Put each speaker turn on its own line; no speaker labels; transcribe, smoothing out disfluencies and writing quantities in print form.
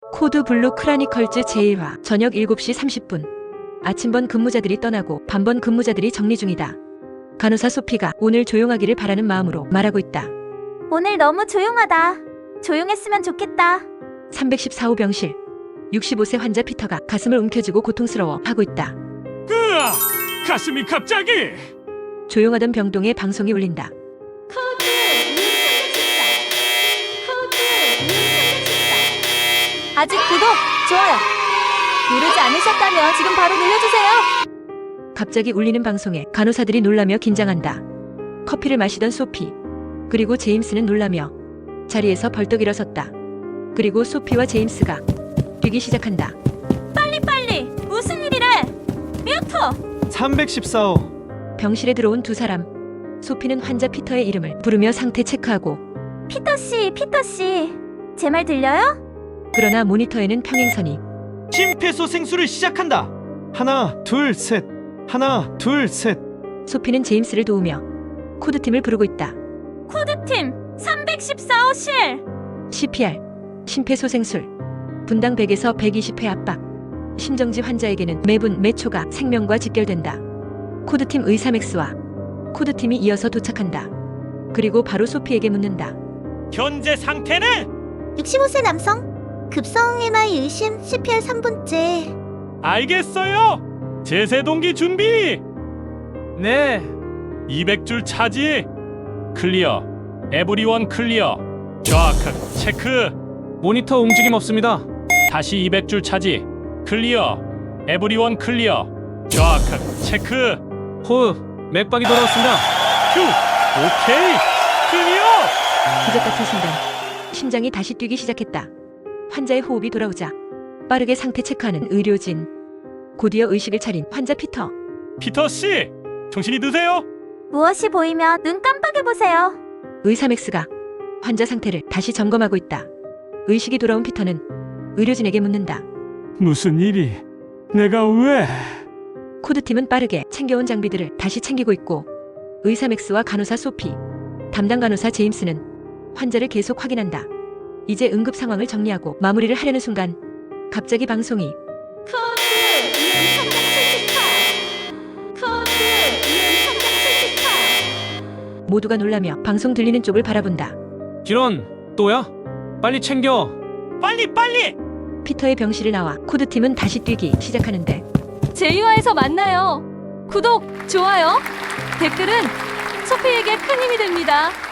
코드 블루 크라니컬즈 제1화 저녁 7시 30분. 아침번 근무자들이 떠나고 밤번 근무자들이 정리 중이다. 간호사 소피가 오늘 조용하기를 바라는 마음으로 말하고 있다.
오늘 너무 조용하다. 조용했으면 좋겠다.
314호 병실. 65세 환자 피터가 가슴을 움켜쥐고 고통스러워 하고 있다.
으아! 가슴이 갑자기!
조용하던 병동에 방송이 울린다.
코드 아직 구독, 좋아요 누르지 않으셨다면 지금 바로 눌러주세요.
갑자기 울리는 방송에 간호사들이 놀라며 긴장한다. 커피를 마시던 소피, 그리고 제임스는 놀라며 자리에서 벌떡 일어섰다. 그리고 소피와 제임스가 뛰기 시작한다.
빨리 무슨 일이래? 뮤터
314호.
병실에 들어온 두 사람. 소피는 환자 피터의 이름을 부르며 상태 체크하고,
피터씨 제 말 들려요?
그러나 모니터에는 평행선이.
심폐소생술을 시작한다. 하나, 둘, 셋. 하나, 둘, 셋.
소피는 제임스를 도우며 코드팀을 부르고 있다.
코드팀 314호실
CPR, 심폐소생술. 분당 100에서 120회 압박. 심정지 환자에게는 매분 매 초가 생명과 직결된다. 코드팀 의사 맥스와 코드팀이 이어서 도착한다. 그리고 바로 소피에게 묻는다.
현재 상태는?
65세 남성 급성 MI 의심 CPR 3분째
알겠어요! 제세동기 준비!
네.
200줄 차지! 클리어. 에브리원 클리어. 정확한 체크.
모니터 움직임 없습니다.
다시 200줄 차지. 클리어. 에브리원 클리어. 정확한 체크.
호흡, 맥박이 돌아왔습니다.
휴! 오케이! 클리어!
기적 같은 순간 심장이 다시 뛰기 시작했다. 환자의 호흡이 돌아오자 빠르게 상태 체크하는 의료진. 곧이어 의식을 차린 환자 피터.
피터씨! 정신이 드세요?
무엇이 보이면 눈 깜빡여보세요.
의사 맥스가 환자 상태를 다시 점검하고 있다. 의식이 돌아온 피터는 의료진에게 묻는다.
무슨 일이? 내가 왜?
코드팀은 빠르게 챙겨온 장비들을 다시 챙기고 있고, 의사 맥스와 간호사 소피, 담당 간호사 제임스는 환자를 계속 확인한다. 이제 응급 상황을 정리하고 마무리를 하려는 순간 갑자기 방송이.
코드 이응 상장 70화 코드 이응 상장 70화
모두가 놀라며 방송 들리는 쪽을 바라본다.
기런, 또야? 빨리 챙겨.
빨리!
피터의 병실을 나와 코드팀은 다시 뛰기 시작하는데,
제2화에서 만나요. 구독, 좋아요, 댓글은 소피에게 큰 힘이 됩니다.